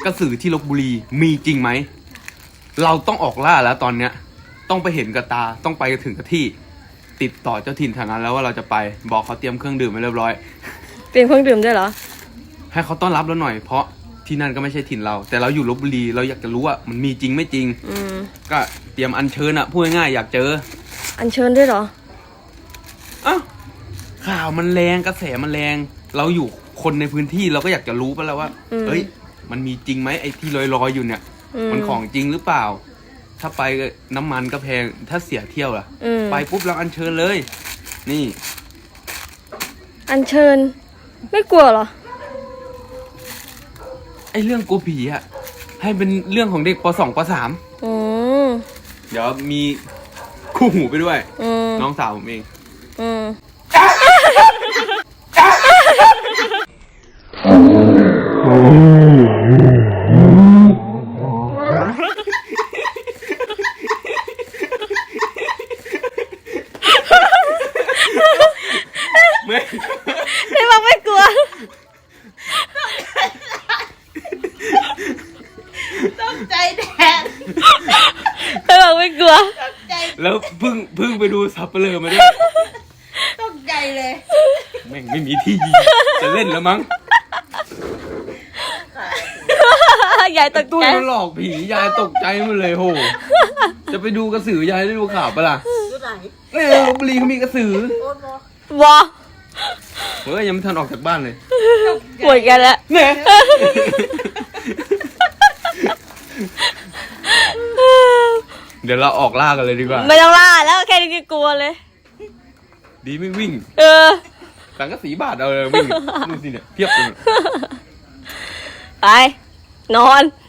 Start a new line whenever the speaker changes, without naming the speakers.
กระสือที่ลพบุรีมีจริงไหมเราต้องออกล่าแล้วตอนเนี้ยต้องไปเห็นกับตาต้องไปถึงกับที่ติดต่อเจ้าถิ่นทางนั้นแล้วว่าเราจะไปบอกเขาเตรียมเครื่องดื่มไว้เรียบร้อย
เตรียมเครื่องดื่มด้วยเหรอ
ให้เขาต้อนรับเราหน่อยเพราะที่นั่นก็ไม่ใช่ถิ่นเราแต่เราอยู่ลพบุรีเราอยากจะรู้ว่ามันมีจริงไม่จริงก็เตรียมอัญเชิญอะพูดง่ายๆอยากเจอ
อัญเชิญด้วยเหรอ
อ้าวข่าวมันแรงกระแสมันแรงเราอยู่คนในพื้นที่เราก็อยากจะรู้ไปแล้วว่าเอ้ยมันมีจริงไหมไอ้ที่ลอยๆอยู่เนี่ยมันของจริงหรือเปล่าถ้าไปน้ำมันก็แพงถ้าเสียเที่ยวล่ะไปปุ๊บเราอัญเชิญเลยนี่
อัญเชิญไม่กลัวเหรอ
ไอ้เรื่องกลัวผีอะให้เป็นเรื่องของเด็กป.2 ป.3เดี๋ยวมีคู่หูไปด้วยน้องสาวผมเอง
ไม่บอกไม่กลัว
ต้องใจแดง
ไม่บอกไม่กลัว
แล้วเพิ่งไปดูซับเปลือมาด้วย
ต้องใจเลย
แม่งไม่มีที่จะเล่นแล้วมั้ง
ยายตกใจ
ตุ้ยมันหลอกผียายตกใจหมดเลยโหจะไปดูกระสือยายได้ดูข่าวปะล่ะ
ดูไหน
เนี่ยลพบุรีเขามีกระสือ
วอ
เฮ้ยยังไม่ทันออกจากบ้านเลย
ป่วยกันแล้ว
เนี่ยเดี๋ยวเราออกล่ากันเลยดีกว่า
ไม่ต้องล่าแล้วแค่นี้ก็กลัวเลย
ดีไม่วิ่งสังกะสีบาทเอาเลยวิ่งนู่นสิเนี่ยเทียบเลย
ไปนอน